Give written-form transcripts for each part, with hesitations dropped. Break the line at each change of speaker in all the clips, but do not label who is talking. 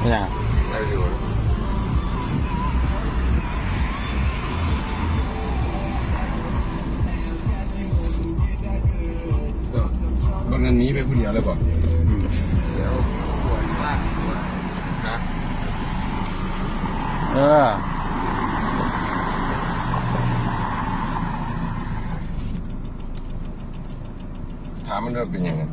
เนี่ยได้อยู่ก็นั้นนี้ไปผู้เดียวเลยก่อนเดี๋ยวปวดมากปวดนะถามมันเริ่มเป็นยังไง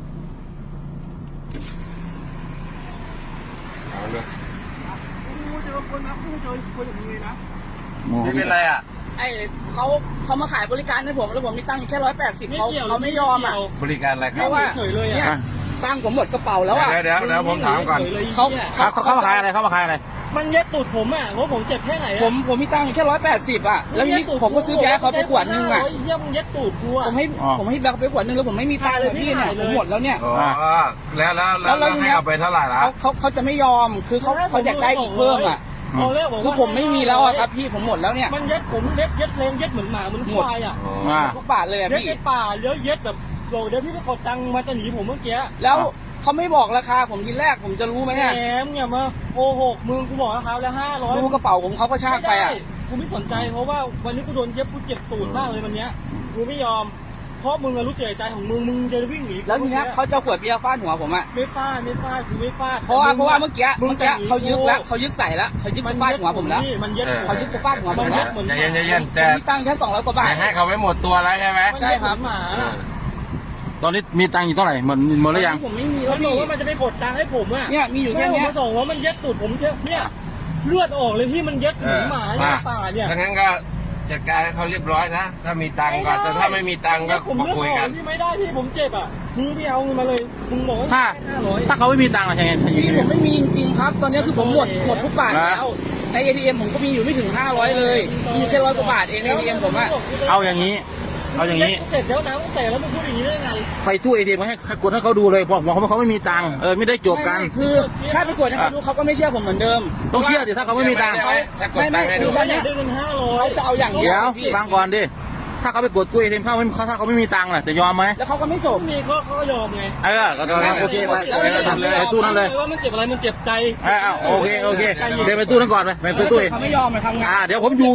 ถามมันเริ่มเจอคนนะเจอคนอย่างนี้นะไม่เป็นไรอ่ะ
ไอ้เขามาขายบริการให้ผมแล้วผมมีตังค์แค่180เขาไม่ยอมอ่ะ
บริการอะไรครับ
เพราะว่าเนี่ยตังค์ผมหมดกระเป๋าแล้วอ่ะ
เดี๋ยวผมถามก่อนเขามาขายอะไรเขามาขายอะไร
มันเย็ดตูดผมอ่ะเพราะผมเจ็บแค่ไหน
ผมมีตังค์แค่180อ่ะแล้วทีนี้ผมก็ซื้อแบล็คเขาไปขวดนึงอ่ะ
เยี่ยมเย็ดตูดกูอ่ะ
ผมให้แบล็คไปขวดนึงแล้วผมไม่มีตังค์เลยพี่เนี่ยผมหมดแล้วเนี่ย
แล้วให้เอาไปเท่าไหร่ละ
เขาจะไม่ยอมคือเขาอยากได้อีกเพิ่มอ่ะคือผมไม่มีแล้วอะครับพี่ผมหมดแล้วเนี่ย
มันเย็ดผมเย็ดเพลงเย็ดเหมือนหมาเหมือนควายอ่ะ
ทุกบาทเลยอะพี่
เย็ดในป่าเย็ดแบบโเดี๋ยวพี่ไปกดตังค์มาจะหนีผมเมื่อกี้
แล้วเขาไม่บอกราคาผมทีแรกผมจะรู้ไหมเนี่ย
แหมเนี่ยมาโกหกมึงกูบอกราคาแล้ว500
ดูกระเป๋าผมเขาก็ชากไปอ่ะ
กูไม่สนใจเพราะว่าวันนี้กูโดนเย็บกูเจ็บตูดมากเลยวันนี้กูไม่ยอมเพราะมึงรู้ใจของมึงจะวิ่งหนี
แล้วทีนี้เขาจะขวดเบียร์ฟาดหัวผมอ่ะ
ไม่ฟาดกูไม่ฟาด
เพราะว่าเมื่อกี้เขายึดแล้วเขายึดใส่แล้วเขายึดฟาดหัวผมแล้วเขายึดฟาดหัวผมแล้ว
ใจเย็นแต่
มีตังค์แค่200 กว่าบาท
ให้เขาไม่หมดตัวแล้วใช่ไหม
ใช่ครับ
ตอนนี้มีตังค์อยู่เท่าไหร่หมดหรือยัง
ผมไม่มี
แล้วบอกว่ามันจะไปกดตังค์ให้ผมอ่ะ
เนี่ยมีอยู่แค่นี้
ส่งว่ามันเย็ดตูดผมเนี่ยเลือดออกเลยที่มันเย็ดหมาในป่าเนี่ย
ถ้างั้นก็จัดการให้เขาเรียบร้อยนะถ้ามีตังค์ก็แต่ถ้าไม่มีตังค์ก็มาคุยกัน
ที่ไม่ได้ที่ผมเจ็บอ่ะมึงไม่เอาเงินมาเลยมึงบอกว่า
ถ้าเขาไม่มีตังค์อะไรยังไง
ผมไม่มีจริงๆครับตอนนี้คือผมหมดทุกบาทแล้วใน ATM ผมก็มีอยู่ไม่ถึง500เลยมีแค่100 กว่าบาทเองใน ATM ผมอะ
เอาอย่างนี้
เสร็จแล้วนะตั้งแต่แล้วมึงพูดอย่างนี้ได้ไง
ไปตู้ ATM ให้กดให้เขาดูเลยบอกเขาไม่มีตังค์ไม่ได้จบกัน
คือถ้าไปกดให้เขาดูเขาก็ไม่เชื่อผมเหมือนเดิม
ต้องเชื่อดิถ้าเขาไม่มีตังค์ถ้ากดตังค์ให้ดู
เขาอยากได้เงิน500
เขาจะเอาอย่าง
เดี๋ยวฟังก่อนดิถ้าเขาไปกดตู้ ATM ถ้าเขาไม่มีตังค์ล่ะจะยอมไหม
แล้วเขาก็ไม่จบ
มีเขาก็ยอมไง
โอเคไปตู้นั้นเลย
ว่ามันเจ็บอะไรมันเจ็บใจ
โอเคเดี๋ยวไปตู้นั้นก่อนไปตู้
เขาไม่ยอมทำงาน
เดี๋ยวผมอยู่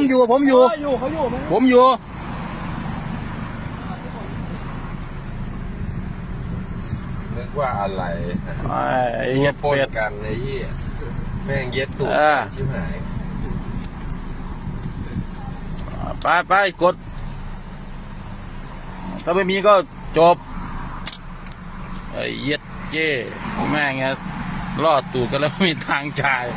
นึกว่าอะไรเย็ดโปดกันไอ้ยี่แม่งเย็ดตูดชิบหายไปกดถ้าไม่มีก็จบไอ้เย็ดเจ้แม่งเงี้ยรอดตูดกันแล้วไม่มีทางจ่าย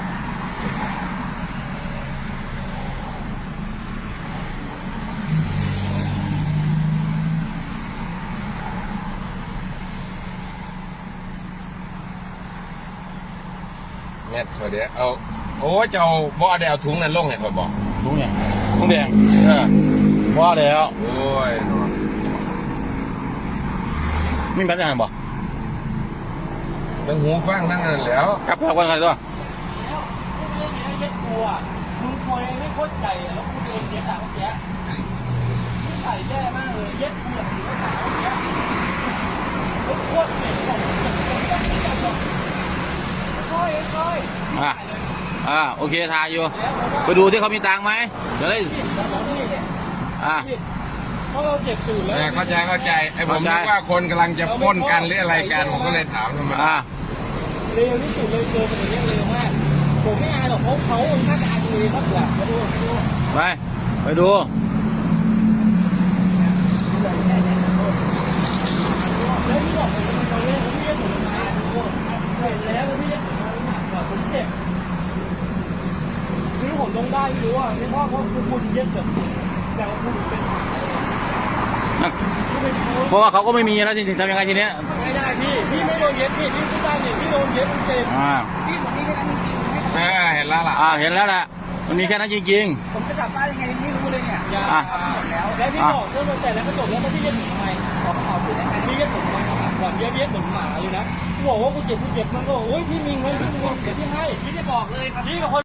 เนี่ยเดี๋ยวเอาโอ้เจ้าบ่ได้เอาถุงนั้นลงให้คอยบอกถุงเนี่ยถุงแดงบ่แล้วโอ้ยนี่แบบยังไงบอกทั้งหูฟังทั้งนั้นแล้วกลับว่าไงตัว
เย็ดกูอ่ะมึงคอยไม่โคตรใจแล้วกูโดนเย็ดอ่ะเมื่อกี้ใส่แย่มากเลยเย็ดกูแบบนี้ก็หนาวเมื่อกี้โคตรเจ็บ
โอเคทายอยู่ไปดูที่เขามีตังค์ไหมจะได้
เพราะเราเจ็บตูดแล้ว
เข้าใจไอ้ผมนึกว่าคนกำลังจะพ้นกันหรืออะไรกันผมก็เลยถามทำไม
เร็วที่สุดเลยเร็วแบบนี้เร็วมากผมไม่อายหรอกเขาน่าจะอายตัวเองมากกว่ามาดู
ไปดู
แล้วที่บอกผมเป็นคนเล่นผมไม่ได้ผมมาเห็นแล้วพี่หนักกว่าผมเจ็บคือผมต้องได้รู้ว่าไม่เพราะคุณเย็ดแบบแต่คุณเป็น
เพราะว่าเขาก็ไม่มีนะจริงๆทำยังไงทีเนี้ย
ไม่ได้พี่ไม่โดนเย็ดพี่พูดได้เนี่ยพี่โดนเย็ดเจ็บ
พี่ผมมีแค่นั้นจริง
เห็นแล้วล่ะเห็นแล้วแหละมันมีแค่นั้นจริง
ๆผมจะกลับบ้านยังไงไม่รู้เลยเนี่ย
หมดแล้วพี่บอกเรื่องแต่แล้วก็จบแล้วพี่เย็ดทำไมขอเขาคือได้ไหมพี่เย็ดผมก่อนเย็ดเหมือนหมาเลยนะกูบอกว่ากูเจ็บมันก็โอ้ยพี่มีเงินเดี๋ยวพี่ให้พี่จะบอกเลยครับพี่กับคน